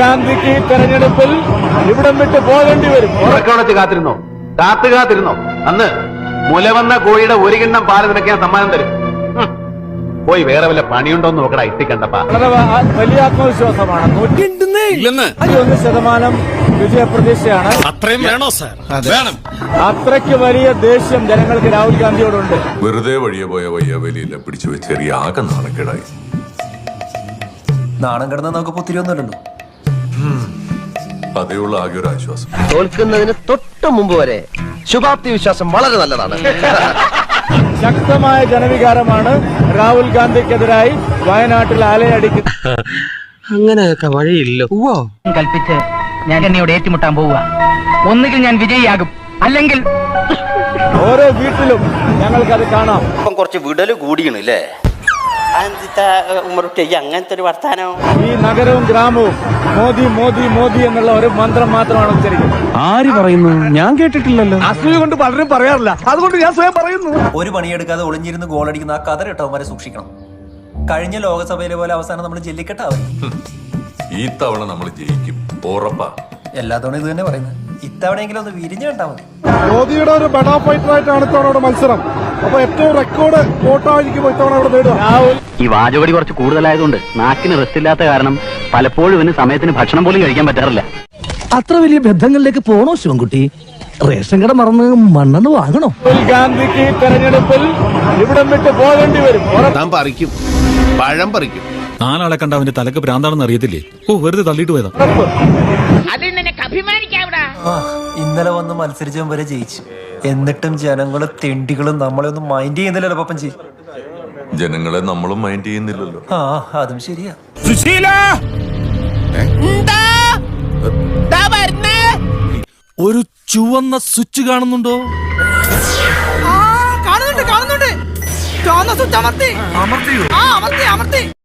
ഗാന്ധിക്ക് തെരഞ്ഞെടുപ്പിൽ ഇവിടം വിട്ട് പോകേണ്ടി വരും. ഉറക്കമുളച്ച് കാത്തിരുന്നോ അന്ന് മുലവന്ന കോഴിയുടെ ഒരു കിണ്ണം പാല് നിനക്ക് ഞാൻ സമ്മാനം തരും. പോയി വേറെ വല്ല പണിയുണ്ടോന്ന് നോക്കടാ ഇട്ടിക്കണ്ടപ്പാ. വളരെ വലിയ ആത്മവിശ്വാസമാണ്. 101% വിജയപ്രതീക്ഷയാണ്. അത്രയും വേണോ സാർ? വേണം. അത്രയ്ക്ക് വലിയ ദേഷ്യം ജനങ്ങൾക്ക് രാഹുൽ ഗാന്ധിയോടുണ്ട്. വെറുതെ വഴിയെ പോയ വയ്യാവേലിയില്ല പിടിച്ചു വെച്ചേറിയ ആകെ നാണക്കേടായി. നാണം കിടന്ന നമുക്ക് പുത്തിരിയൊന്നുമില്ലല്ലോ. അതേയുള്ള ആകെ ഒരു ആശ്വാസം. തോൽക്കുന്നതിന് തൊട്ട് മുമ്പ് വരെ ശുഭാപ്തി വിശ്വാസം വളരെ നല്ലതാണ്. ശക്തമായ ജനവികാരമാണ് രാഹുൽ ഗാന്ധിക്കെതിരായി വയനാട്ടിൽ അലയടിക്കുന്നത്. അങ്ങനെയൊക്കെ വഴിയില്ലോ കൽപ്പിച്ച് ഞാൻ എന്നോട് ഏറ്റുമുട്ടാൻ പോവുക. ഒന്നുകിൽ ഞാൻ വിജയിയാകും, അല്ലെങ്കിൽ ഓരോ വീട്ടിലും ഞങ്ങൾക്കത് കാണാം. ഇപ്പം കുറച്ച് വിടല് കൂടിയണല്ലേ ഉമ്മറുട്ടി, അങ്ങനത്തെ ഒരു വർത്താനോ. ഈ നഗരവും ഗ്രാമവും മോദി മോദി മോദി എന്നുള്ള ഒരു മന്ത്രം മാത്രമാണ് ഉച്ചരിക്കുന്നത്. ആര് പറയുന്നു? ഞാൻ കേട്ടിട്ടില്ലല്ലോ. അസൂയ കൊണ്ട് പലരും പറയാറില്ല, അതുകൊണ്ട് ഞാൻ സ്വയം പറയുന്നു. ഒരു പണിയെടുക്കാതെ ഒളിഞ്ഞിരുന്ന് ഗോളടിക്കുന്ന ആ കതർ ഇട്ടവന്മാരെ സൂക്ഷിക്കണം. കഴിഞ്ഞ ലോകസഭയിലെ പോലെ അവസാനം നമ്മൾ ജെല്ലിക്കെട്ടാവും. ഈ തവണ നമ്മൾ ജയിക്കും, ഉറപ്പാ. എല്ലാ തവണ ഇത് തന്നെ പറയുന്നത്. ഇത്തവണയെങ്കിലും ഒന്ന് വിരിഞ്ഞു കണ്ടാൽ മതി. മോദിയുടെ ഒരു ബെഡാ ഫൈറ്ററായിട്ടാണ് ഇത്തവണ മത്സരം. അപ്പൊ ഏറ്റവും റെക്കോർഡ് വോട്ടായിരിക്കും ഇത്തവണ ഇവിടെ നേടുക. രാഹുൽ ഈ വാചകടി കുറച്ച് കൂടുതലായതുകൊണ്ട് നാക്കിന് റെസ്റ്റ് ഇല്ലാത്ത കാരണം പലപ്പോഴും ഇവന് സമയത്തിന് ഭക്ഷണം പോലും കഴിക്കാൻ പറ്റാറില്ല. അത്ര വലിയ ബന്ധങ്ങളിലേക്ക് പോണോ ശിവൻകുട്ടി? റേഷൻ കട മറന്ന് മണ്ണെണ്ണ വാങ്ങണോ? രാഹുൽ ഗാന്ധിക്ക് തെരഞ്ഞെടുപ്പിൽ ഇവിടം വിട്ട് പോകേണ്ടി വരും. താൻ പറിക്കും, പഴം പറിക്കും. നാലാളെ കണ്ട അവന്റെ തലക്ക് ഭ്രാന്താണെന്ന് അറിയത്തില്ലേ? വെറുതെ തള്ളിയിട്ട് പോയതാ. ഇന്നലെ വന്ന് മത്സരിച്ചവൻ വരെ ജയിച്ചു. എന്നിട്ടും ജനങ്ങളും തെണ്ടികളും നമ്മളെ ഒന്നും മൈൻഡ് ചെയ്യുന്നില്ലല്ലോ പപ്പൻജി. ജനങ്ങളെ നമ്മളും മൈൻഡ് ചെയ്യുന്നില്ലല്ലോ. ആ അതും ശരിയാ. ഒരു ചുവന്ന സ്വിച്ച് കാണുന്നുണ്ടോ? കാണുന്നുണ്ട്. ചുവന്ന സ്വിച്ച് അമർത്തി.